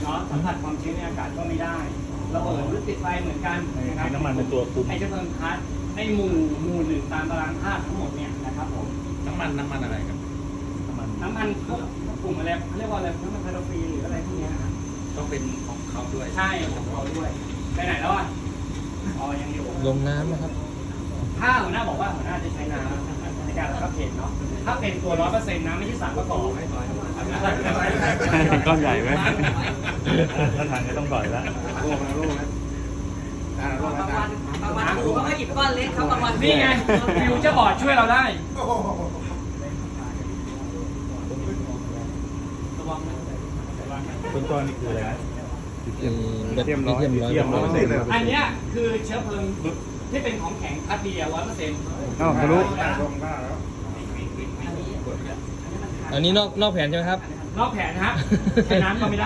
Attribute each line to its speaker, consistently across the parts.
Speaker 1: เนาะสัมผัสความชื้นในอากาศก็ไม่ได้ระเบิดหรือติดไฟเหมือนกันนะครับ
Speaker 2: น้ำมันเป็นตัวคุม
Speaker 1: ไอ้เชื้อเพลิงคัสในหมู่หนึ่งตามตารางธาตุทั้งหมดเนี่ยนะครับผม
Speaker 3: น้ำมันอะไรครับ
Speaker 1: น้ำมันพวกกลุ่มอะไรเขาเรียกว่าอะไรน้ำมันพาราฟีนหรืออะไรพวกเนี้ยนะครับ
Speaker 3: ต้องเป็นของเขาด้วย
Speaker 1: ใช่ของเขาด้วยไปไหนแล้วอ่ะอ๋อยังอยู่
Speaker 4: ลงน้ำนะครับ
Speaker 1: ถ้าหัวหน้าบอกว่าหัวหน้าจะใช้น้ำในการระงับเหตุเนาะถ้าเป็นตัว 100% นะไม่ใช่สารประกอบ
Speaker 2: ก้อนใหญ่ไหมถ้าทางก็ต้องปล่อยแล้ว
Speaker 5: บางวันครูเขาก็หยิบก้อนเล็กเขาบางวัน
Speaker 1: นี่ไงฟิวเจอร์บอร์ดช่วยเราได้
Speaker 2: ต้นต้นนี่คืออะไรนะ
Speaker 4: แบบ
Speaker 1: อันเนี้ยคือเชื้อเพลิงที่เป็นของแข็งคัดเดียว 100%
Speaker 2: อ้าวทะลุ
Speaker 4: อันนี้นอกแผนใช่ไหมครับ
Speaker 1: นอกแผนฮะใช้น้ำก็ไม่ได้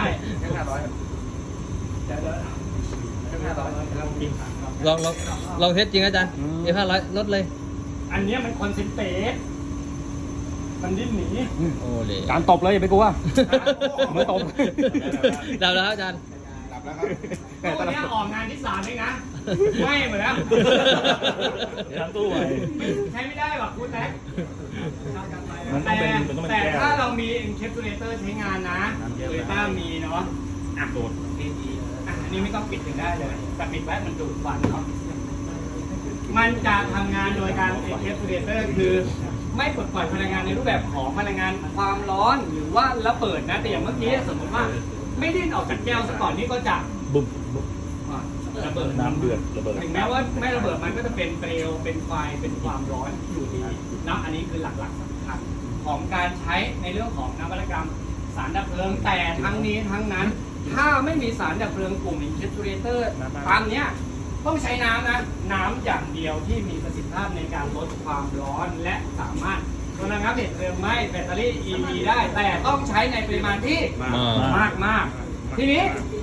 Speaker 4: ลองเทสจริงอาจารย์F500ลดเลย
Speaker 1: อันเนี้ยมันคอนเซนเทรตมันดิ้นหนี
Speaker 4: โอ้เลย
Speaker 2: การตบเลยอย่าไปกลัวมือตบ
Speaker 4: ดับแล้วครับอาจารย์
Speaker 1: ตัวเนี้ยออกงานที่3เองนะไม่เหมือนแล้ว
Speaker 2: เดี๋ยวทำตู้ใหม่
Speaker 1: ใช้ไม่ได้หรอกคุณแท็ก
Speaker 2: มันต้องเป็นมันต้องเป็น
Speaker 1: แต่
Speaker 2: แก้ว
Speaker 1: ถ้าเรามี encapsulator ใช้งานนะโตโยต้ามีเนาะ
Speaker 2: โดด
Speaker 1: อันนี้ไม่ต้องปิดถึงได้เลยแต่ปิดไว้มันดูดควันเนาะมันจะทำงานโดยการ encapsulator คือไม่ปลดปล่อยพลังงานในรูปแบบของพลังงานความร้อนหรือว่าระเบิดนะแต่อย่างเมื่อกี้สมมติว่าไม่ดิ้นออกจากแก้วซะก่อนนี่ก็จะ
Speaker 2: บุ้ม
Speaker 1: ระเบิด
Speaker 2: น้ำเดือดระเบิด
Speaker 1: ถึงแม้ว่าไม่ระเบิดมันก็จะเป็นเปลวเป็นไฟเป็นความร้อนอยู่ดีนะอันนี้คือหลักๆสำคัญของการใช้ในเรื่องของนวัตกรรมสารดับเพลิงแต่ทั้งนี้ทั้งนั้น ถ้าไม่มีสารดับเพลิงกลุ่ม encapsulator ตามเนี้ยต้องใช้น้ำนะน้ำอย่างเดียวที่มีประสิทธิภาพในการลดความร้อนและสามารถระงับเหตุเพลิงไหม้แบตเตอรี่ EV ได้แต่ต้องใช้ในปริมาณที่ มากทีนี้